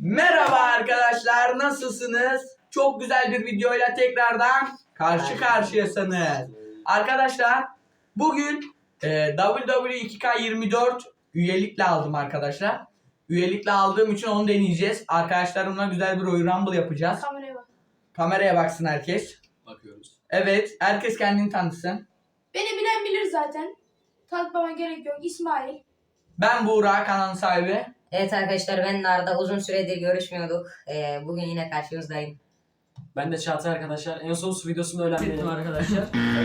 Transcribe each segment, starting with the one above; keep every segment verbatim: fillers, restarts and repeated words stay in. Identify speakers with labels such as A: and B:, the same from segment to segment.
A: Merhaba arkadaşlar, nasılsınız? Çok güzel bir videoyla tekrardan karşı karşıyasınız. Arkadaşlar bugün e, W W E iki K yirmi dört üyelikle aldım arkadaşlar. Üyelikle aldığım için onu deneyeceğiz. Arkadaşlarımla güzel bir Royal Rumble yapacağız.
B: Kameraya bak.
A: Kameraya baksın herkes.
C: Bakıyoruz.
A: Evet, herkes kendini tanısın.
B: Beni bilen bilir zaten. Tanıtmama gerek yok. İsmail.
A: Ben Buğra, kanalın sahibi.
D: Evet arkadaşlar, ben Narda, uzun süredir görüşmüyorduk. Ee, bugün yine karşınızdayım.
C: Ben de Çağatay arkadaşlar. En son su videosunda öğrendim arkadaşlar.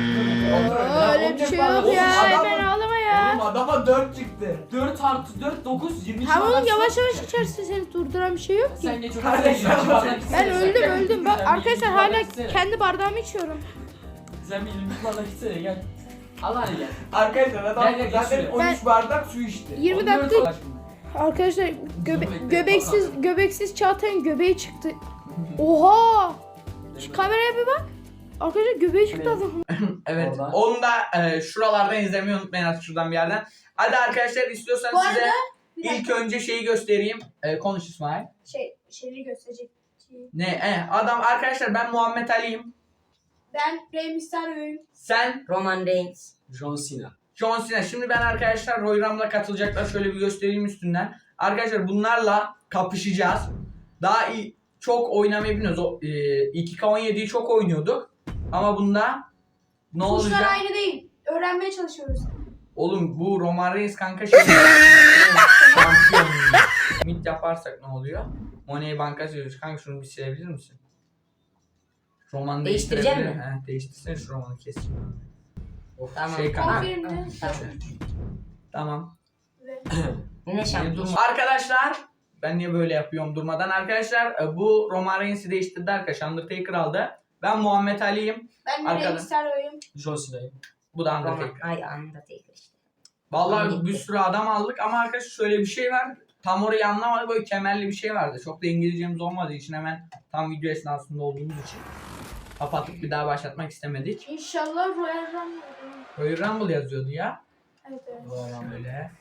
B: Oo, öyle bir şey yok ya. Hemen ağlama ya.
A: Oğlum adama dört çıktı.
C: dört artı dört, dokuz, yirmi.
B: Tamam oğlum, yavaş yavaş içersin, seni durduran bir şey yok ki.
C: Sen geç otur.
A: Kardeşim,
B: Ben öldüm öldüm. Bak
C: Sen
B: arkadaşlar
C: bir
B: hala
C: bardak içsene.
B: kendi bardağımı içiyorum.
C: Sen bir yirmi bardak içsene gel. Al hadi gel.
A: Arkadaşlar adam
C: Gel, gel,
A: zaten
C: geç
A: on üç bardak su içti.
B: yirmi
C: on dört
B: dakika arkadaşlar göbe göbeksiz göbeksiz Çağatay'ın göbeği çıktı. Oha! Şu kameraya bir bak. Arkadaşlar göbeği çıktı adamın.
A: Evet.
C: Orada.
A: Onu da e, şuralardan izlemeyi unutmayın artık, şuradan bir yerden. Hadi arkadaşlar, istiyorsanız
B: Bu arada
A: size
B: bir
A: ilk
B: dakika.
A: önce şeyi göstereyim. E, konuş İsmail.
B: Şey, şeyleri gösterecek.
A: Ne? E, adam arkadaşlar, ben Muhammed Ali'yim.
B: Ben Rey Mysterio'yum.
A: Sen
D: Roman Reigns.
C: John Cena.
A: John Cena. Şimdi ben arkadaşlar Royal Rumble'a katılacaklar. Şöyle bir göstereyim üstünden. Arkadaşlar bunlarla kapışacağız. Daha iyi, çok oynamayı bilmiyoruz. O, e, iki K on yediyi çok oynuyorduk. Ama bunda ne
B: Tuşlar
A: olacak?
B: aynı değil. Öğrenmeye çalışıyoruz.
A: Oğlum bu Roman Reigns kanka şey. Şampiyon. Mid yaparsak ne oluyor? Money banka söylüyoruz. Kanka şunu bir silebilir misin? Roman
D: Değiştirecek
A: değiştirebilir-
D: mi?
A: He, değiştirsene şu romanı kes.
D: Tamam.
A: Şey kanka.
B: Konfirmde.
D: Tamam.
A: Tamam.
B: Ve
D: Yine
A: Niye
D: şampiyon.
A: durma- Arkadaşlar ben niye böyle yapıyorum durmadan? Arkadaşlar e, bu Roman Reigns'i değiştirdi arkadaşlar. Undertaker aldı. Ben Muhammed Ali'yim.
B: Ben de Rey
A: Arkada.
B: Mysterio'yum.
C: John Cena'yım.
A: Bu da
D: Roman.
A: Undertaker.
D: Ay, Undertaker işte.
A: Vallahi
D: Gitti.
A: bir sürü adam aldık ama arkadaşlar şöyle bir şey var. Tam orayı anlamadık, böyle kemerli bir şey vardı. Çok da İngilizcemiz olmadığı için hemen tam video esnasında olduğumuz için kapatıp bir daha başlatmak istemedik.
B: İnşallah Royal Rumble.
A: Royal Rumble yazıyordu ya.
B: Evet evet.
A: Şöyle.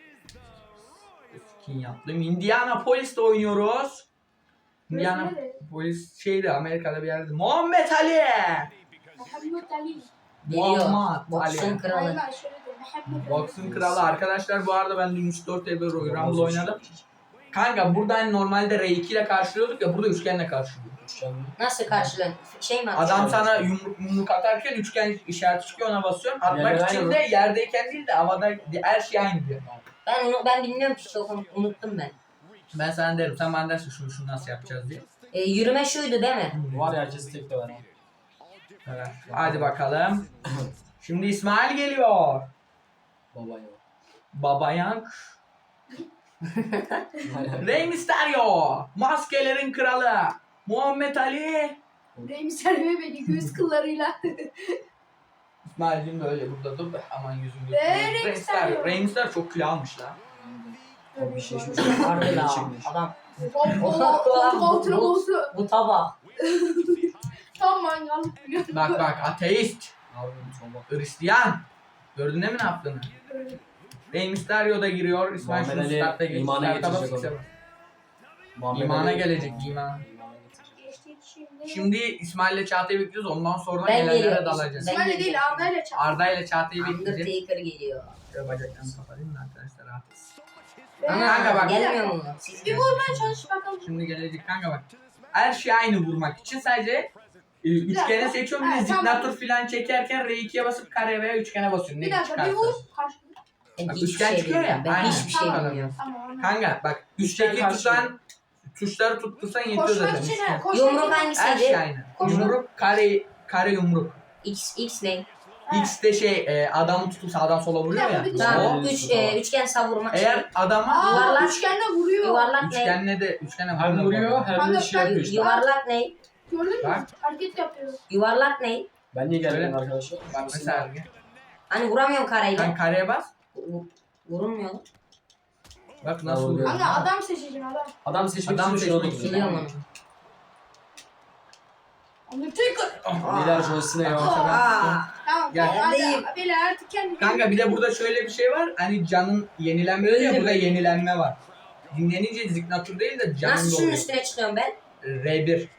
A: Skin yaptım. Indianapolis'te oynuyoruz. Indiana Polis şeydi, Amerika'da bir yerde. Muhammed Ali.
B: Muhammed Ali.
D: Geliyor.
A: Muhammed
D: Boksun
A: Ali.
D: kralı.
B: Aynen şöyle de Muhammed Ali.
A: Boxing kralı arkadaşlar. Bu arada ben dün üç dört elde Royal Rumble oynadım. Kanka buradan normalde R iki ile karşılıyorduk ya, burada üçgenle karşılıyorduk.
C: Üçgen mi?
D: Nasıl karşılığın? Şey mi atıyor?
A: Adam sana yumruk yumruk atarken üçgen işareti çıkıyor, ona basıyorsun. Atmak
C: Yerler
A: için
C: aynı
A: de yerdeyken değil de havada, her şey aynı diyor.
D: Ben onu ben bilmiyorum ki, çok unut- unuttum ben.
A: Ben sana derim, sen bana dersin şunu şunu nasıl yapacağız diye.
D: Ee, yürüme şuydu değil mi?
C: Var ya, herkes tek de var.
A: Evet. Hadi bakalım. Şimdi İsmail geliyor.
C: Baba ya.
A: Babayan. Rey Mysterio. Maskelerin kralı. Muhammed Ali.
B: Rey Mysterio beni göz kıllarıyla.
A: İsmail'cim böyle burada dur da aman yüzüm
B: Ve
A: gözüm.
B: Rey
A: Rey Mysterio.
B: Mysterio.
A: Rey Mysterio çok kilo almış lan.
C: Abi bir şey şişmiş.
D: Harbi la.
C: Çıkmış.
D: Adam.
B: Koltuk altına
D: Bu-
B: bozdu.
D: Bu tabak.
B: Tam mangal.
A: Bak bak, ateist.
C: Abi bu tabak.
A: Hristiyan. Gördün değil mi ne yaptığını? Rey Mysterio da giriyor. İsmail
C: Muhammed
A: şunu
C: Ali
A: startta geç.
C: imana
A: Starta
C: getirecek
A: bas,
C: onu. Muhammed
A: İmana
C: Ali-
A: gelecek, iman.
C: İmana getirecek.
B: Geçtik şimdi.
A: Şimdi İsmail'le Çağatay'ı bekliyoruz. Ondan sonra
D: Ben
A: gelenlere
D: geliyorum.
A: dalacağız.
D: Ben
B: İsmail'le değil
D: geliyorum.
B: Arda ile çarptı.
A: Arda ile Çağatay'ı bekleyeceğiz.
D: Undertaker geliyor.
A: Şöyle bacaklarını kapatayım da arkadaşlar rahat etsin.
D: Ama
A: Kanka bak.
D: gelmiyor mu? Siz
B: Bir vurmaya çalış bakalım.
A: Şimdi gelecek kanka bak. Her şey aynı vurmak için sadece e, üçgene
B: dakika.
A: seçiyorum. Bir de
B: Evet, tamam.
A: zignatur falan çekerken R ikiye basıp kare veya üçgene basıyorum.
B: Bir
A: Ne
B: dakika bir
A: çıkarsa.
B: vur. Karşılık.
D: Ben
A: Bak,
D: hiçbir
A: üçgen
D: şey
A: çıkıyor ya.
D: bilmiyorum. Ben
A: Aynen.
D: hiçbir şey
B: Tamam.
D: bilmiyorum.
B: Tamam anladım.
A: Kanka bak
C: Üçgen
A: üçteki
C: karşı.
A: tutan tuşları tuttursan yetiyor
B: Koşmak
A: zaten.
B: için
A: üçgen.
B: ha. Koşmak
D: Yumruk
B: için.
A: Her
D: hangisiydi?
A: şey aynı.
B: Koşmak.
A: Yumruk, kare, kare yumruk.
D: X, X ne?
B: Ha.
A: X de şey e, adamı tutup sağdan sola vuruyor ya.
B: Bir dakika,
D: Tamam.
C: Tamam.
D: Üç, e, üçgen savurma.
A: Eğer adama
B: Aa,
D: Yuvarlak.
B: üçgenle vuruyor.
D: Yuvarlak ne?
A: üçgenle de üçgene
C: Hem vuruyor hem de
B: Kanka,
C: şey yapıyor
D: Yu-
C: işte.
D: Yuvarlak ne?
B: Gördün mü?
A: Bak.
B: Hareket yapıyor.
D: Yuvarlak ne?
C: Ben niye gelmedim
A: Şöyle.
C: arkadaşlar?
A: Bak mesela
D: Hani vuramıyorum kareyle.
A: sen kareye bas.
D: Vu- Vurulmuyor.
A: Bak nasıl
C: Tamam,
A: vuruyor.
B: Kanka adam seçeceksin adam.
C: Adam seçmek
A: Adam
C: için şunu
A: seçmek
C: tutuyor.
D: Biliyorum onu.
B: Undertaker.
C: Beyler John Cena'ya bak.
D: Aa.
B: Tamam
A: Gel.
B: tamam
D: Neredeyim?
B: hadi. Beyler artık kendi.
A: Kanka bir de burada şöyle bir şey var. Hani canın yenilenme ya,
D: Öldüm.
A: burada yenilenme var. dinlenince ziknatur değil de canın
D: Nasıl şunun
A: doluyor.
D: üstüne çıkıyorum ben?
A: R bir.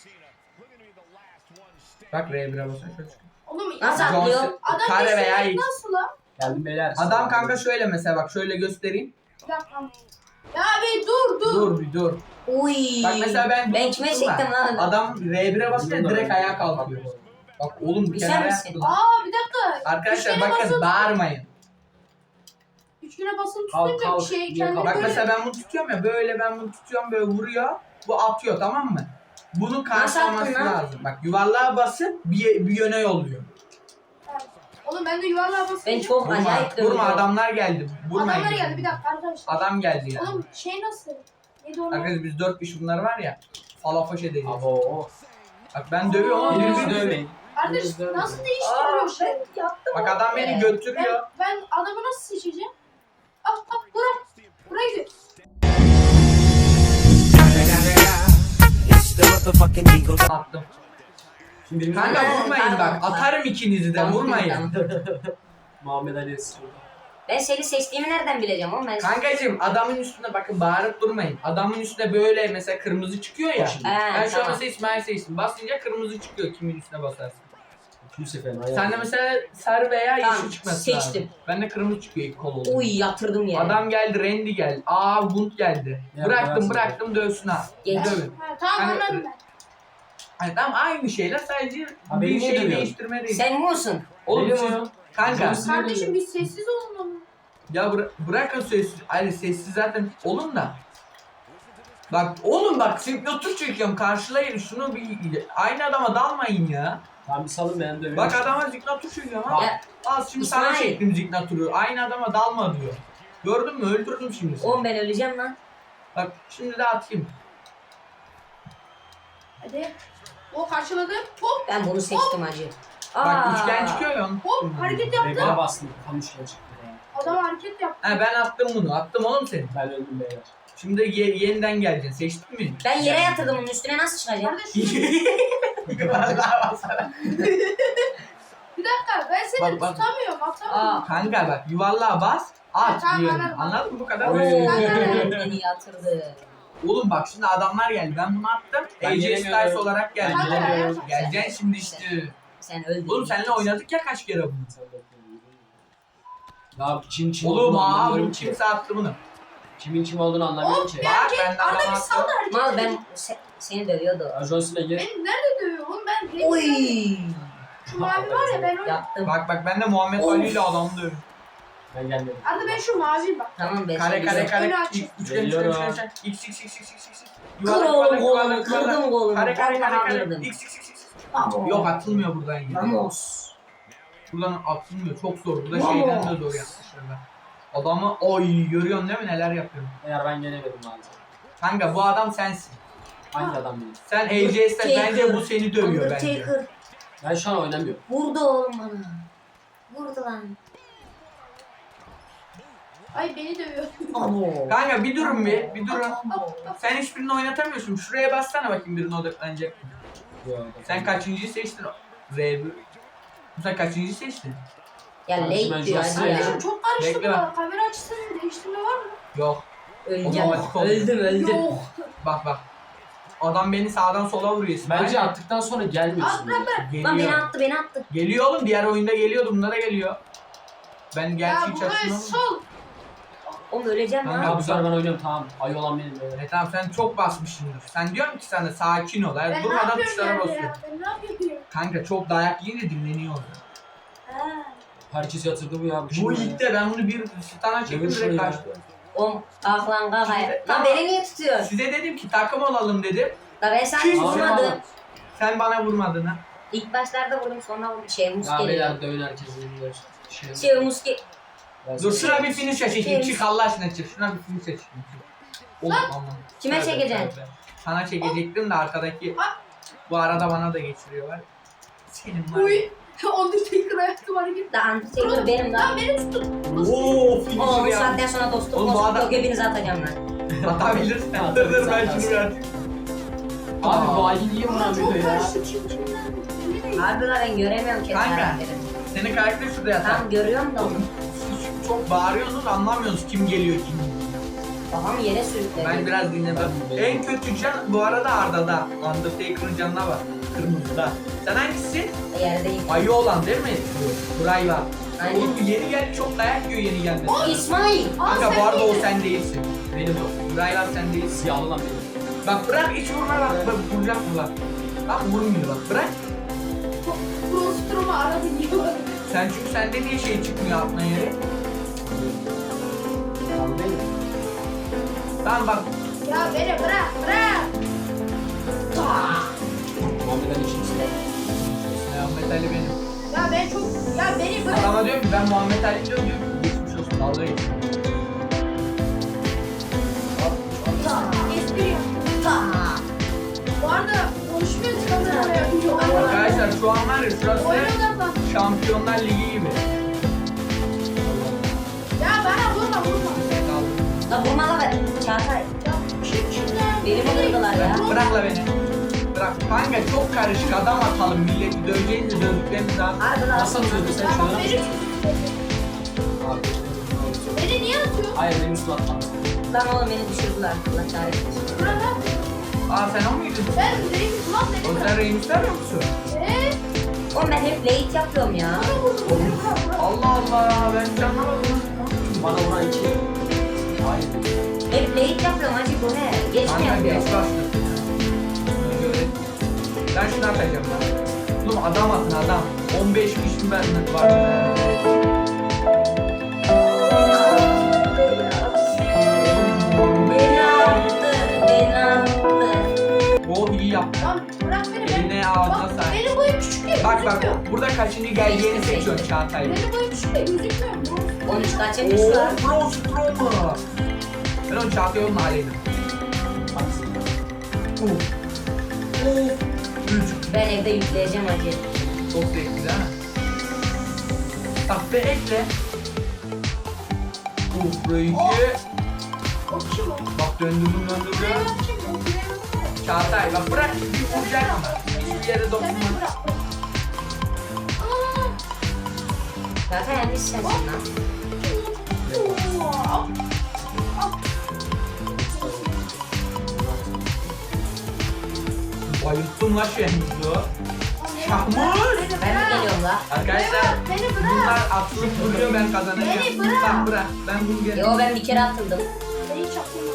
A: Bak R bir'e basın şöyle çıkıyor.
B: Oğlum
D: Nasıl
B: adam,
D: atlıyor?
A: Johnson-
B: adam
A: Kare veya
B: geçti,
A: X.
B: nasıl lan?
C: Geldim beyler.
A: Adam kanka şöyle mesela bak şöyle göstereyim.
B: Bir dakika. Ya bir dur dur.
A: Dur bir dur.
D: Uy.
A: Bak mesela ben
D: Ben kime
A: tuttum da,
D: çektim lan?
A: Adam R bir'e basınca direkt ayağa kalkıyor. Bak oğlum bir
D: Güzel
A: kenara
D: misin?
A: yaptım.
B: Aa bir dakika.
A: Arkadaşlar
B: Üçgene
A: bakın
B: basılı-
A: bağırmayın.
B: Üçgüne basılı
C: Kalk,
B: tutunca
C: kalk.
B: bir şey
C: Niye
B: kendini
C: kalk?
A: Bak
B: böyle...
A: mesela ben bunu tutuyorum ya böyle ben bunu tutuyorum böyle vuruyor. Bu atıyor tamam mı? Bunun karşılaması
D: attın lan?
A: lazım. Bak yuvarlığa basıp bir, bir yöne yolluyor.
B: Oğlum ben de yuvarlığa basınca...
D: Ben çok
A: Vurma,
D: acayip dövüyorum.
A: vurma adamlar geldi. Vurmayın.
B: Adamlar geldi bir dakika arkadaşlar.
A: Adam geldi ya.
B: Oğlum şey nasıl? Neydi onu?
A: Arkadaşlar biz dört kişi bunlar var ya. Falafoş edeceğiz.
C: Abo.
A: Bak ben dövüyorum ama
C: Birbirinizi
A: birbirimizi
C: dövmeyin.
B: Kardeş
C: Birbirinizi dövmeyin.
B: nasıl değiştiriyor şey?
D: Yaptım.
A: Bak adam beni
D: Evet.
A: götürüyor.
B: Ben, ben adamı nasıl seçeceğim? Ah ah bura. Buraya gidiyor.
A: Attım.
C: Şimdi birimiz
A: Kanka
D: Ha,
A: vurmayın
D: pardon,
A: bak.
D: pardon.
A: Atarım ikinizi de
D: Tamam,
A: vurmayın.
D: tamam.
C: Muhammed Ali Esra.
D: Ben seni seçtiğimi nereden bileceğim oğlum ben?
A: Kankacığım adamın üstüne bakın bağırıp durmayın. Adamın üstüne böyle mesela kırmızı çıkıyor ya.
C: Şimdi.
D: He,
A: Ben şu an
D: tamam.
A: mesela İsmail seçtim. Basınca kırmızı çıkıyor kimin üstüne basarsın.
C: İkinci seferin
A: Sen de mesela sarı veya yeşil
D: Tamam,
A: çıkması
D: seçtim.
A: lazım. Ben de kırmızı çıkıyor ilk kol oldu.
D: Uy yatırdım yere.
A: Adam geldi, Randy geldi. Aa, Gunt geldi.
C: Ya,
A: bıraktım,
C: bıraksın.
A: bıraktım dövsün ha.
D: Geç.
A: Dövün.
B: Ha, tamam
A: Hani-
B: anladım ben.
A: Hani tamam aynı şeyler sadece
C: Ha,
A: bir
C: beni niye
A: şey
C: dövüyorsun?
A: değiştirme değil.
D: Sen mi olsun?
A: Oğlum
C: Benim
A: siz-
C: o.
A: kanka
C: Johnson-
B: Kardeşim bir sessiz olun oğlum.
A: ya bıra- bırakın sessiz. Hayır sessiz zaten olun da. Bak oğlum bak signature çekiyorum karşılayın şunu bir aynı adama dalmayın ya.
C: Tamam bir salın ben dövüyorum.
A: Bak adama signature çekiyorum ha.
D: Ya,
A: Al şimdi sana
D: İsmail.
A: çektim signature'u. Aynı adama dalma diyor. Gördün mü öldürdüm şimdi seni.
D: oğlum ben öleceğim lan.
A: Bak şimdi de atayım.
B: Hadi. O karşıladı. Hop
D: Ben bunu seçtim hacı.
A: Bak
D: Aa.
A: üçgen çıkıyor ya onu.
B: hop hareket yaptı.
C: Regle bastım. Tam üçgen çıktı ya.
B: Adam hareket yaptı.
A: Ha ben attım bunu. Attım oğlum seni.
C: Ben öldüm beyler.
A: Şimdi ye- yeniden geleceksin. Seçtin mi?
D: Ben yere yatırdım bunun üstüne nasıl çıkacağım?
B: Kardeşim
A: Vallahi basara.
B: bir dakika ben seni
A: Bak, bak.
B: tutamıyorum atamıyorum.
D: Aa.
A: Kanka bak yuvarlığa bas. At
B: Tamam,
A: diyorum.
B: anladım.
A: Anladın mı bu kadar?
D: Oo,
A: basit.
D: beni yatırdı.
A: Oğlum bak şimdi adamlar geldi. Ben bunu attım.
C: Ben
A: A J
C: gelemiyorum.
A: Styles olarak geldi.
B: Ben gelemiyorum.
A: Geleceksin şimdi işte.
D: Sen öldün.
A: Oğlum seninle oynadık ya kaç kere bunu.
C: Sen bekle. Ya kim kim
A: Oğlum
C: olduğunu
A: abi
C: anlamıyorum ki.
A: kimse attı bunu.
C: Kimin kim olduğunu anlamıyorum ki.
A: Bak ben de
B: Arada
A: adam
B: bir saldı
A: attım.
B: hareket.
D: Mal ben se- seni dövüyordu.
C: Ya John Cena gir.
B: Beni nerede dövüyor oğlum ben renk
D: Oy.
B: Şu mavi var ya ben onu.
D: Yaptım.
A: Bak bak ben de Muhammed
D: Of.
A: Ali ile adamı dövüyorum.
C: Ben gelmedim.
B: Arada ben şu mavi bak.
D: Tamam ben
A: Kare
D: seni
A: kare
D: dövüyorum.
A: kare.
B: Önü açık.
A: Üçgen üçgen
C: Geliyorum.
A: üçgen üçgen. X x x x x x.
D: Kır
A: Yuvarlak
D: oğlum
A: yuvarlak
D: kolumu,
A: yuvarlak
D: kırdım
A: yuvarlak.
D: kolumu.
A: Kare kare kare
D: Vallahi
A: kare.
D: kırdım.
A: X x x x.
D: Vamos.
A: Yok atılmıyor buradan yine.
D: Vamos.
A: Buradan atılmıyor. Çok zor. Burada
D: Vamos.
A: şeyden de zor yapmışlar. Adamı oy görüyorsun değil mi neler yapıyorum.
C: Eğer ben gelemedim maalesef.
A: Kanka bu adam sensin.
C: Hangi adam benim?
A: Sen A J Styles bence bu seni dövüyor bence.
D: Undertaker.
C: Ben şu an oynamıyorum.
D: Vurdu oğlum bana. Vurdu lan.
B: Ay beni dövüyor.
D: Abo.
A: Kanka bir durun bir, bir durun.
D: Abo.
A: Sen hiçbirini oynatamıyorsun. Şuraya bassana bakayım birine odaklanacak. Sen kaçıncıyı seçtin? R bir. Sen kaçıncıyı seçtin?
D: Ya
C: Ben
D: late diyor
C: John
D: hadi
C: Cena.
D: ya.
B: Kardeşim çok karıştı
A: Bekle
B: bu.
A: bak.
B: Kamera açısını değiştirme var mı?
A: Yok.
D: Öleceğim.
A: Otomatik oldu.
D: Öldüm öldüm.
B: Yok.
A: Bak bak. Adam beni sağdan sola vuruyor. İsmail.
C: Bence attıktan sonra gelmiyorsun.
B: At bırak bırak.
D: Lan beni
A: Geliyor.
D: attı beni attı.
A: Geliyor oğlum. Diğer oyunda geliyordu. Bunda da geliyor. Ben gerçi
B: Ya
A: hiç
B: buraya
A: açmıyorum.
B: sol.
D: Oğlum öleceğim
A: Kanka,
D: lan.
C: Ya bu sefer ben oynuyorum tamam. Ayı olan benim beyler.
A: E tamam sen çok basmışsındır. Sen diyorum ki sana sakin ol. Yani
B: Ben ne
A: durmadan
B: yapıyorum
A: tuşlara
B: yani
A: basıyor.
B: ya? Ben ne yapıyorum?
A: Kanka çok dayak yiyince dinleniyor orada.
B: Ha.
C: Herkes yatırdı bu ya. kim
A: Bu
C: ya?
A: ilkte ben bunu bir stana çektim
C: Dövüş
A: direkt
C: ya.
A: kaçtı.
D: Oğlum ah lan kafaya.
A: Şimdi-
D: Lan
A: tamam.
D: beni niye tutuyorsun?
A: Size dedim ki takım olalım dedim.
D: La ben sana
A: Kim
D: vurmadım.
A: Sen bana vurmadın ha.
D: İlk başlarda vurdum sonra vurdum. Şey mus
C: Ya
D: geliyor.
C: beyler dövün herkesin. Şey,
D: Şey mus ge-
C: Ben
A: Dur
C: sana-
A: şuna bir finish çekeyim.
D: Kim?
A: Çık Allah aşkına çık. Şuna bir finish çekeyim. Oğlum aman.
D: Kime
A: Tövbe,
D: çekeceksin?
A: tövbe. Sana çekecektim de arkadaki
B: Ah.
A: bu arada bana da geçiriyorlar. Senin var.
B: Uy. Undertaker ayakta hareket.
D: La Undertaker benim
B: Lan
D: lan.
B: beni tutun.
A: Oo finish
D: Oğlum bu
A: ya.
D: saatten sonra dostluk
A: Oğlum bu
D: dostluk
A: adam-
D: yok hepinizi atacağım lan.
A: Atabilirsin. Dur dur ben şunu bir atayım.
C: Abi
A: Aa.
C: bu ayı niye
B: Ulan
C: vuramıyor
B: çok
C: ya?
B: karıştı kim kimden. Belli değil.
D: Harbi la ben göremiyorum kendi
A: Kanka.
D: karakterimi.
A: Senin karakter şurada yatar.
D: Tamam görüyorum da.
A: Oğlum, siz çok bağırıyorsunuz anlamıyorsunuz kim geliyor kim.
D: Kafamı yere sürükledim.
A: Ben biraz dinledim. En kötü can bu arada Arda'da. Undertaker'ın canına bak. Kırmızıda. Sen hangisi?
D: Yerdeyim.
A: Ayı olan değil mi? Burayla.
D: Aynen.
A: Oğlum yeni geldi, çok dayak yiyor yeni gelmesi.
D: İsmail.
A: Kanka
B: Aa,
A: bu arada
B: sen
A: o
B: miydin?
A: sen değilsin.
C: Benim o.
A: Burayla sen değilsin.
C: Siyahlı lan benim.
A: Bak bırak hiç vurma bak. Bak vuracak mı bak. Bak vurmuyor bak bırak.
B: Prostromu aradı diyor.
A: Sen çünkü sende niye şey çıkmıyor aklına yere?
C: Tamam değil mi?
A: Tamam bak.
B: Ya beni bırak bırak.
C: Muhammed'den içimsin.
A: Muhammed Ali benim.
B: Ya ben çok ya beni bırak.
A: Adama diyorum ki ben Muhammed Ali diyorum diyor. Geçmiş olsun dalga geç.
B: Espri yap. Bu arada konuşmuyoruz kameraya.
A: Arkadaşlar şu an var ya şurası
B: Oyuna odaklan.
A: Şampiyonlar Ligi gibi.
B: Ya bana vurma vurma.
D: La vurma la be. Çağatay.
B: Ya çık şuradan.
D: Beni mi vurdular ya?
A: Bırak, bırak la beni. Bırak. Kanka çok karışık adam atalım milleti döveceğiniz dövdükleriniz daha.
D: Harbi lan.
C: Nasıl atıyordun sen
B: Tamam
C: şöyle?
B: beni
C: Abi.
B: Beni niye atıyorsun?
C: Hayır benim üstüme atma.
D: Lan oğlum beni düşürdüler. Allah kahretsin.
B: Bırak.
A: Aa sen o muydun?
B: Ben Reis ulan beni
A: O
B: bırak.
A: sen Reynus vermiyor musun?
B: Eee?
D: Oğlum ben hep late yapıyorum ya.
B: Bana vurdu beni bırak bırak.
A: Allah Allah ben hiç anlamadım.
C: Bana vuran iki. Hayır.
D: Hep late yapıyorum hacı bu ne? Geç mi
A: Kanka
D: yapıyorum?
A: geç başladı. Bunu öğret. Ben şunu atacağım lan. Oğlum adam atın adam. on beş kişi ben var.
D: Beni attı. Beni attı.
A: O iyi yaptı.
B: Lan bırak beni ben.
A: Eline ağzına
B: Bak
A: sahip.
B: benim boyum küçük ya
A: Bak bak
B: gözükmüyor.
A: burada kaçıncı geldiğini seçiyorsun Çağatay.
B: Benim boyum küçük ya gözükmüyor.
D: on üç kaçırmış
A: Ooo
D: lan.
A: Pro Stroma. Ben onu Çağatay onun aleyhine.
C: Haksın.
A: Uf. Uf. Üç.
D: Ben evde yükleyeceğim hacı.
A: Çok zevkli değil mi? Bak be ekle. Uf burayı iki.
B: O kim o?
A: Bak döndürdüm
B: Buraya
A: döndürdüm.
B: bak kim o? Buraya bak.
A: Çağatay bak bırak bir vuracak mı? Hiçbir yere
B: Sen beni
A: dokunma.
B: bırak. Aa.
D: Zaten yanlış sensin lan.
B: Oo.
A: Bayılttım la Şehmuz'u. Şahmuz.
D: Ben mi geliyorum la?
A: Arkadaşlar
B: Beni bırak.
A: bunlar atılıp duruyor ben kazanacağım.
B: Beni bırak.
A: Bak bırak ben bunu gel.
D: Yo ben bir kere atıldım.
B: Beni çakma.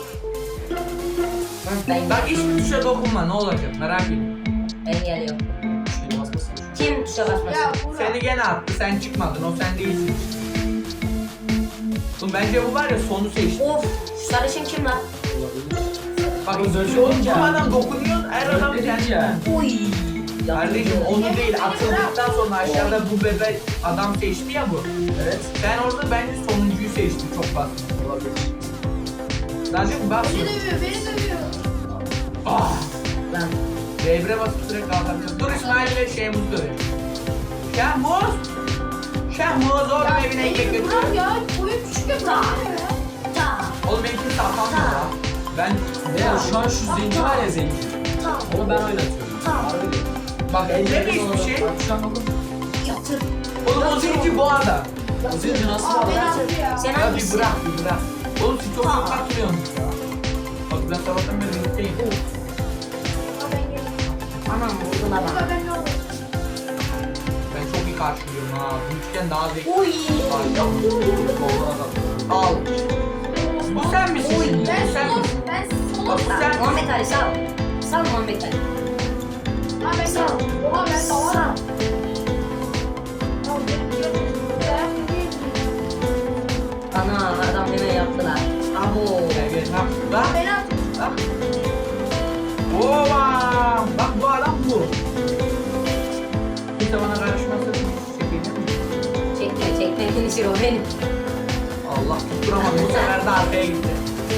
D: Ben,
A: Bak hiçbir tuşa dokunma ne olacak merak etme.
D: ben geliyorum.
C: Şeyine basmasın.
D: Kim tuşa
B: Ya
D: basmasın?
B: Burak.
A: Seni gene attı sen çıkmadın o sen değilsin. Oğlum bence bu var ya sonu seçti.
D: Of şu sarışın kim lan?
A: Bak
C: Oğlum böyle
A: şu oğlum
C: olunca-
A: bu adam dokunuyor her adam
C: Böyle
A: kendine.
C: ya.
D: Uy.
A: Kardeşim onu değil atıldıktan sonra aşağıda bu bebek adam seçti ya bu.
C: Evet.
A: Sen orada bence sonuncuyu seçtin çok basit.
C: Olabilir.
A: Zaten bak.
B: Beni dövüyor, beni dövüyor.
A: Ah.
D: Lan.
A: Devre basıp direkt kalkabiliyorsun. Dur İsmail ile Şehmuz dövüyor. Şehmuz! Şehmuz oğlum
B: Ya
A: evine ekmek
B: beni
A: götür.
B: bırak ya. Boyum küçük ya bırak beni ya.
D: Ta.
A: Oğlum benimkini satamıyor ya. Ben
C: Ya şu an şu zenci var ya zenci. Onu ben oynatıyorum. Harbi değil.
A: bak elde mi hiçbir şey?
C: Bak şu an oldu.
D: Yatır.
A: Oğlum o zenci bu adam.
C: O zenci nasıl
B: Aa
C: var?
B: beni attı ya.
D: Sen
A: Ya bir
D: hangisin?
A: bırak bir bırak. Oğlum siz çok çok katılıyorsunuz ya. Bak ben sabahtan beri birlikteyim.
B: Aa ben geliyorum.
D: Anam vurdu la
B: Aa
D: bana.
B: ben ne olur.
A: Ben çok iyi karşılıyorum ha. Bu üçgen daha zevkli.
D: Uy.
A: Al. Bu sen misin
B: Oy,
A: şimdi?
B: ben
A: Bu sen
B: solum.
A: misin?
B: Ben
A: Bak
B: solum.
A: bu sen
D: Muhammed Ali sal. Sal Muhammed Ali.
B: Aa ben
D: Sal.
B: solum. Oha ben
D: Sal.
B: salak. Aa ben geliyorum. Ben geliyorum.
D: Ana adam hemen yaptılar. Abo.
A: Gel gel. Ha.
B: Aa
A: Bak.
B: beni attı.
A: Bak. Ova! Bak bu adam bu. Kimse bana karışmasın. Çekeyim mi?
D: Çekme çekme finişir o benim.
A: Allah tutturamadı. Bu sefer de arkaya gitti.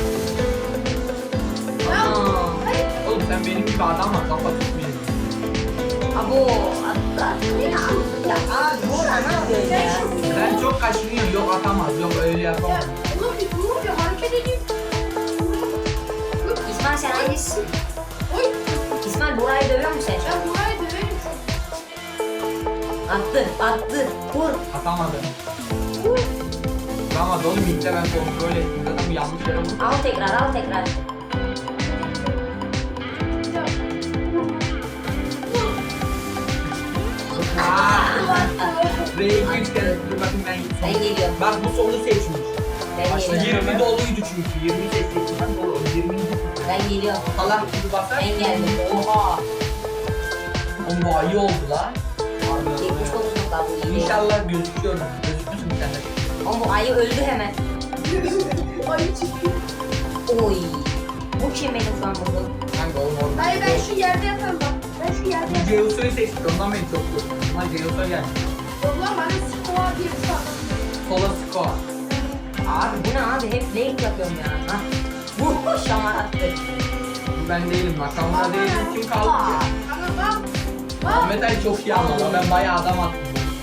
D: Ana.
A: Oğlum sen benim gibi adam var. Kafa tutmayın.
D: Abo. Attı attı beni attı. Ya abi Buğra ne yapıyorsun
B: Ben
D: ya?
B: şimdi.
A: Sen çok kaşınıyorsun. Yok atamaz. Yok öyle
B: Ya
A: yapamaz.
B: oğlum bir dur bir hareket edeyim.
D: İsmail sen hangisisin?
B: Oy.
D: İsmail Buğra'yı dövüyor musun sen şu an?
B: Ben burayı döverim.
D: Attı attı. Vur.
A: Atamadı.
B: Uy.
A: Vuramadı oğlum, ilk de ben kontrol ettim. Zaten bu yanlış yere vurdu.
D: Al tekrar al tekrar.
A: R'yi iki üç kere dur bakayım ben gittim.
D: Ben geliyorum.
A: Bak bu sonu seçmiş.
D: Ben
C: Başla,
D: geliyorum.
A: yirmi doluydu çünkü. yirmi seçtiğinden dolu. yirmi.
D: Ben geliyorum.
A: Allah gibi basar.
D: Ben geldim.
A: Oha. Oğlum bu ayı oldu lan.
D: yetmiş dokuz nokta bu iyi.
A: İnşallah gözüküyorum. Gözükmüyorsun bir tane.
D: Oğlum bu ayı öldü hemen.
B: Ayı çıktı.
D: Oy. Bu kim benim şu an burada?
A: Kanka oğlum orada.
B: Hayır ben şu yerde yatarım bak. Ben şu yerde yatarım.
A: Ceyhun'u seçtik. Ondan beni çok korktum. Ama Ceyhun'a geldi.
B: Yok lan bana skova diye bir şey var.
A: Sola squat.
D: Abi bu ne abi? Hep late yapıyorum ya. Ha. Bu şamar attı.
A: Bu ben değilim bak. Kamera değilim. Kim kaldı ki?
B: Ama bak. Bak.
A: Ahmet Ali çok iyi ama ben bayağı adam attım.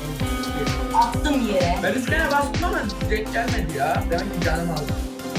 D: Attım yere.
A: Ben üç kere bastım ama direkt gelmedi ya. Demek ki canım aldı.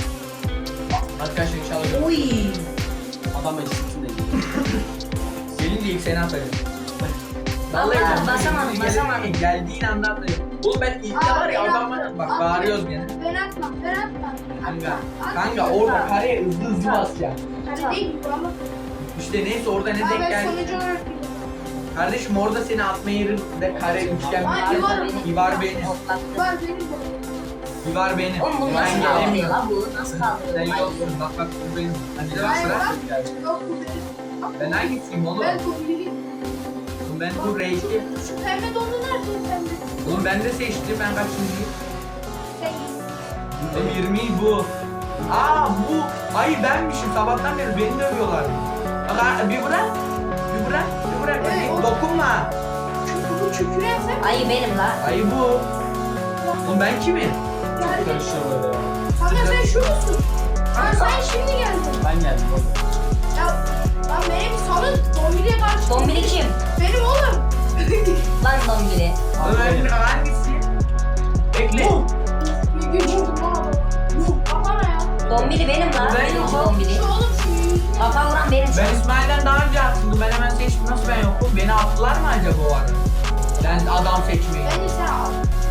A: Arkadaşlar inşallah.
D: Oy.
C: Adam eşitsin değil.
A: Gelince ilk seni atacağım.
D: Vallahi
A: ben-
D: basamadım,
A: Gelin-
D: basamadım.
A: Geldiğin anda atacağım. Oğlum ben ilk de var ya adamla bak bağırıyoruz gene.
B: Ben atmam. Ben atmam.
A: Kanka, kanka orada kareye hızlı hızlı basacaksın.
B: Hadi değil mi ama?
A: İşte neyse orada ne
B: Aa,
A: denk
B: ben
A: geldi.
B: sonucu olarak biliyorum.
A: Kardeşim orada seni atma yerinde kare üçgen
B: Ay,
A: bir
B: İvar-
A: İvar benim.
D: Hoplattı.
B: Var benim de.
A: İvar benim.
D: Oğlum bunu
A: Ben
D: nasıl kaldırıyor
A: gelemiyorum.
D: la bu? Nasıl
A: Sen
D: kaldırıyor?
A: yoksun bak bak bu benim. Hadi de bak
B: Hayır,
A: sıra.
B: bak. Yok bu benim.
A: Ben hangisiyim oğlum?
B: Ben kombiniyim.
A: Oğlum ben bu R iki.
B: Şu pembe dondu nerede o pembe?
A: Oğlum ben de seçtim ben kaçıncıyım?
B: Sen
A: Benim yirmi bu. Aa bu. Ay benmişim sabahtan beri beni dövüyorlar. Bak ha, bir bırak. Bir bırak. Bir bırak.
B: Evet,
A: Hadi
B: o-
A: dokunma.
B: bu çükürersem
D: Ayı benim la.
A: Ay bu. Oğlum ben kimim?
B: yani.
C: Karışıyor böyle ya.
B: Kanka sen şu musun? Lan sen şimdi geldin.
C: Ben geldim oğlum.
B: Ya lan benim salın Dombili'ye karşı.
D: Dombili kim?
B: Benim oğlum.
D: Lan Dombili.
A: Ömer hangisi? Bekle.
B: Bir gün vurdum lan adamı. Kafana ya.
D: Dombili benim la.
A: Ben
D: Benim
A: yokum.
D: Dombili.
B: Şu oğlum şu yüzüne.
D: Kafa vuran benim şu
A: Ben
D: an.
A: İsmail'den daha önce attım. Ben hemen seçtim. Nasıl ben yokum? Beni attılar mı acaba o ara? Ben adam seçmeyi.
B: Ben ise al.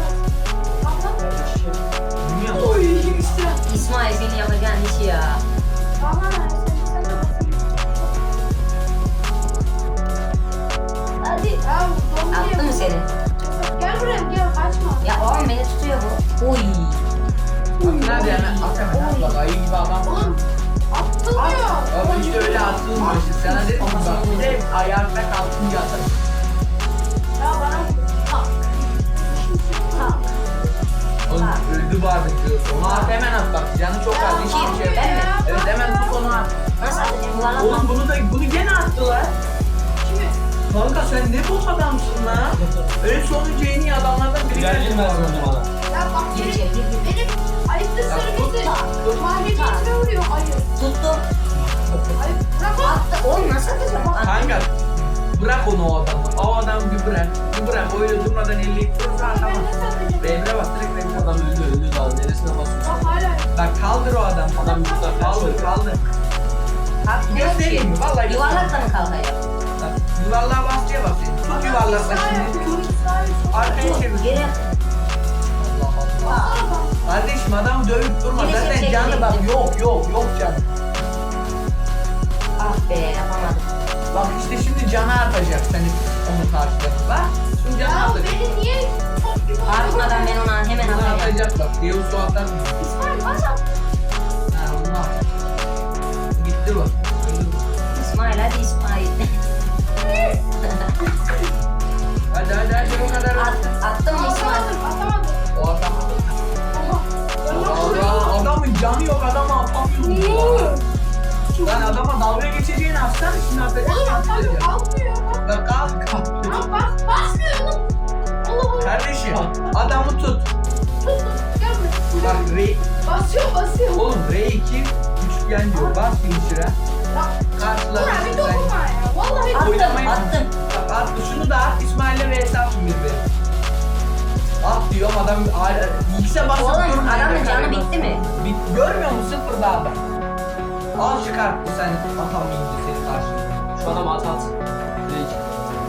A: Bilmiyorum.
B: Oy işte.
D: İsmail senin yapacağın işi ya.
B: Kafana ya. Sen sen de bakayım.
D: Hadi.
B: Ya Dombili'ye.
D: Attı mı seni?
B: Gel buraya gel kaçma.
D: Ya oğlum beni tutuyor bu. Oy.
A: Nerede hemen? At hemen. Bak ayı gibi adam.
B: Oğlum attırmıyor.
A: Ama işte öyle atılmıyor. Sana dedim ki bak bir de ayakta kalkınca atarım.
B: Ya bana tak. Tak.
A: Oğlum öldü vardı diyorsun. Onu at hemen at bak. Canı çok az. Hiç
B: Kim?
A: bir şey yok.
D: Ben mi?
A: Evet hemen tut onu at.
D: Nasıl atacağım? Yuvarlak
A: Oğlum bunu da bunu gene attılar.
B: Kimi?
A: Kanka sen ne bok adamsın lan. Öyle sonuncu en iyi adamlardan biri.
C: Güzel girmez onu bana.
B: Ya bak
D: Gir
B: benim,
D: içeri, gir, gir.
B: benim ayıptır
A: Ya
B: sırrımızı
A: tut,
B: mahvediyetine vuruyor ayı.
D: tuttum.
B: Ayıp bırak o.
D: Attı. Oğlum nasıl atacağım? Attı.
A: Kanka bırak onu o adamı. O adamı bir bırak. Bir bırak. Öyle durmadan elli ittirse
B: Ben
A: atamaz.
B: nasıl atacağım?
A: Emre bak direkt Emre bak.
C: Adam öldü öldü daha. Neresine basıyorsun?
B: Bak hala.
A: Bak kaldır o adamı.
C: Adam yüzden
A: Kaldır kaldır.
D: Kalk gidiyor
A: Göstereyim mi?
D: ki.
A: Vallahi
D: Yuvarlakla mı kalkacağım?
A: Bak, yuvarlığa bastıya bak senin. Tut yuvarlakla şimdi. Tut. Arkaya çevir.
D: Geri.
A: Allah Allah.
B: Bak.
A: Kardeşim adamı dövüp durma.
D: Yine
A: Zaten
D: seni
A: canı bak
D: çekecektim.
A: yok yok yok canı.
D: Ah be yapamadım.
A: Bak işte şimdi canı artacak seni onu karşılayıp. Bak şimdi canı
B: Ya
A: artacak.
B: beni niye top gibi
D: Artmadan ben ona hemen
A: Canı
D: atacağım.
A: artacak bak. Diyor su atar mı?
B: İsmail bas at.
A: Ha onu at. Gitti bu. Öldü bu.
D: İsmail hadi İsmail.
A: Hadi hadi hadi o kadar.
D: At, attım mı İsmail?
B: Atamadım atamadım.
A: O adam.
B: Oha. Ben nasıl
A: Allah, adamın canı yok adamı atamıyorum. Lan adama dalga geçeceğini atsana şimdi atacak.
B: Oğlum atamıyorum kalkmıyor.
A: Bak kalk kalk.
B: Lan bak basmıyor oğlum. Allah Allah.
A: Kardeşim adamı tut.
B: Tut tut. Gel buraya.
A: Bak R,
B: Basıyor basıyor.
A: oğlum R iki üçgen diyor. Bas finisher'a.
B: Bak.
A: Karşılar.
B: Dur abi dokunma ya. Vallahi
D: Attım
A: Oynamayın.
D: attım.
A: Bak at şunu da at İsmail'le ve hesapsın birbiri. At diyorum adam X'e basıp
D: Oğlum
A: durma.
D: adamın
A: Kare
D: canı
A: bas.
D: bitti mi?
A: Bit, görmüyor musun sıfırda adam? Al çıkarttı sen atamayınca seni karşına.
C: Şu adam at at. Direkt.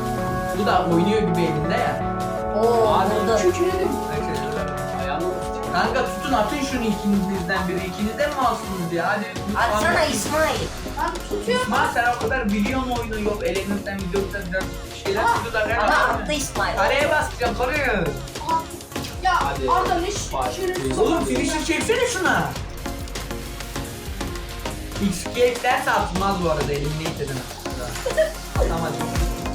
A: Bu da oynuyor gibi elinde ya.
D: Oo
C: Abi,
D: vurdu.
B: Kükredim.
C: Ayağını
A: Kanka tutun atın şunu ikiniz birden biri. İkiniz de mi alsınız ya? Hadi.
D: Atsana İsmail.
B: Ben tutuyorum.
A: İsmail sen o kadar biliyorsun oyunu yok. Elinizden videodan biraz şeyler tutuyor da.
D: Ama attı İsmail.
A: Kareye basacağım kareye.
B: Ya
C: Hadi.
B: Arda ne şerefsiz.
A: Oğlum finisher çeksene şuna. X iki eklerse atılmaz bu arada eliminate edemez. Atamadım.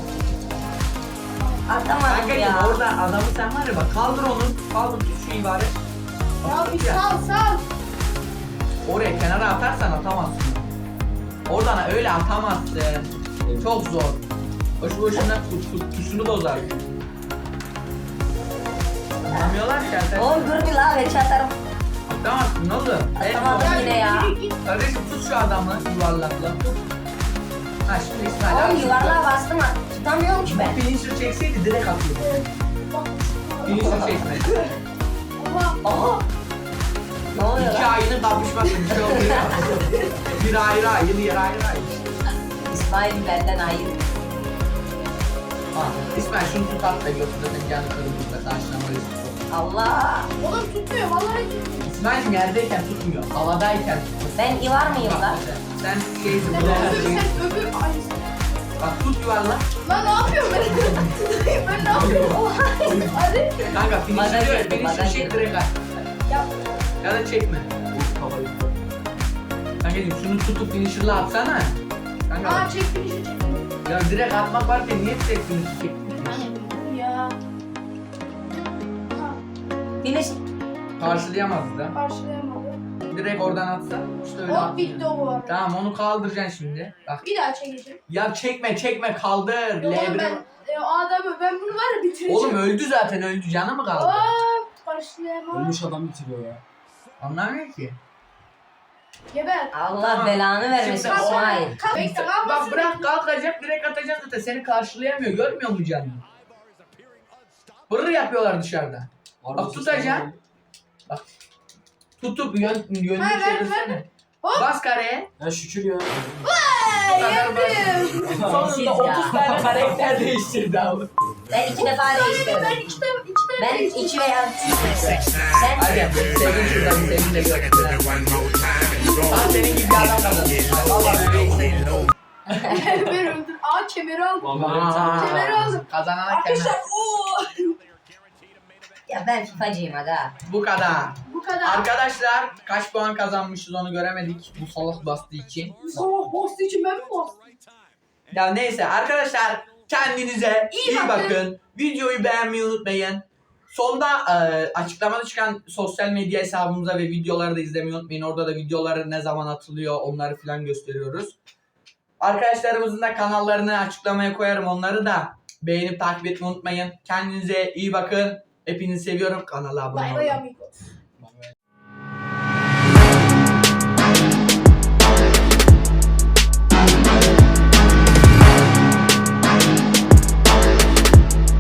D: Atamadım
A: Kankacım
D: ya.
A: orada adamı sen var ya bak kaldır onu. Kaldır tut şu ibare.
B: Ya bir sal sal.
A: Oraya kenara atarsan atamazsın. Oradan öyle atamazsın. Çok zor. Boşu boşuna tut, tut, tuşunu bozar. Anlamıyorlar ki sen.
D: Oğlum dur bir la geç atarım.
A: Atamazsın ne oldu?
D: Atamadım yine ya.
B: Yürü git.
A: Kardeşim tut şu adamı yuvarlakla. Tut. Ha şimdi İsmail abi.
D: Oğlum yuvarlığa bastım at. Tutamıyorum ki ben.
A: Finisher çekseydi direkt atıyordu.
B: Bak.
A: Finisher çekmedi.
B: Oha.
D: Aha. Ne oluyor
A: İki
D: lan?
A: ayını kapışmak bir şey oluyor. Bir ayrı ayı, diğer ayrı ayı.
D: İsmail benden ayrı.
A: Ha, İsmail şunu tut at da götürün canı kırılır da taşlamayız.
D: Allah.
B: Oğlum tutmuyor vallahi tutmuyor.
A: İsmail'cim yerdeyken tutmuyor, havadayken tutmuyor.
D: Ben ivar mıyım lan?
A: Sen şeysin,
B: Sen
A: bu da
B: öbür
A: şey.
B: sen öbür ay.
A: Bak tut yuvarla.
B: Lan ne yapıyorum ben? Ben ne yapıyorum? Oha. Hadi.
A: Kanka finisher
D: Bana
A: diyor ya,
D: girdi,
A: finisher
D: bana
A: çek
D: girdi.
A: direkt at.
B: Ya
A: Ya da çekme. Kankacım şunu tutup finisher'la atsana. Kanka
B: aa çek beni şu çek.
A: ya direkt atmak varken niye direkt finisher çektin?
B: Ya. Ha,
D: Finish.
A: Karşılayamazdı da.
B: karşılayamadım.
A: Direkt oradan atsa işte öyle
B: Hop
A: atmıyor.
B: bitti o bu arada.
A: Tamam onu kaldıracaksın şimdi. Bak.
B: Bir daha çekeceğim.
A: Ya çekme çekme kaldır.
B: Yok oğlum
A: L bir.
B: ben e, o adamı ben bunu var ya bitireceğim.
A: Oğlum öldü zaten öldü canı mı kaldı?
B: Hop karşılayamadım.
C: Ölmüş adam bitiriyor ya.
A: Anlamıyor ki.
B: Geber.
D: Allah
A: Tamam.
D: belanı vermesin
A: Şimdi-
D: İsmail.
B: Kalk bekle
A: Bak
B: kalmasın.
A: bırak kalkacak direkt atacak zaten seni karşılayamıyor görmüyor mu canını? Hırr yapıyorlar dışarıda. Bak tutacaksın. Tutup yön, yönünü
B: Ha, ver,
A: çevirsene.
B: Hop.
A: Bas kareye.
C: Ya şükür ya.
A: Bu kadar basit.
B: Yendim.
A: Sonunda
D: Ya.
A: otuz tane karakter değiştirdi abi.
D: Ben iki defa
B: Ben
D: değiştirdim.
B: iki tane iki tane
D: Ben
B: değiştirdim.
D: iki veya üç Sen
A: Hadi sevin şuradan sevin de görsünler. Aa senin gibi bir adam kazandı. Valla bebeği
B: Ben öldüm. Aa kemeri aldım.
C: Vallahi
B: Kemeri aldım.
A: Kazanana
B: Arkadaşlar
A: kemer.
B: ooo.
D: Ya ben FIFA'cıyım aga.
A: Bu kadar.
B: Bu kadar.
A: Arkadaşlar kaç puan kazanmışız onu göremedik bu salak bastığı için.
B: Sabah bastı için ben mi bastım?
A: Ya neyse arkadaşlar kendinize iyi,
B: İyi
A: bakın.
B: bakın.
A: Videoyu beğenmeyi unutmayın. Sonda e, açıklamada çıkan sosyal medya hesabımıza ve videoları da izlemeyi unutmayın. Orada da videoları ne zaman atılıyor onları falan gösteriyoruz. Arkadaşlarımızın da kanallarını açıklamaya koyarım. Onları da beğenip takip etmeyi unutmayın. Kendinize iyi bakın. Hepinizi seviyorum. Kanala abone
B: Bay
A: olun.
B: bay amigo.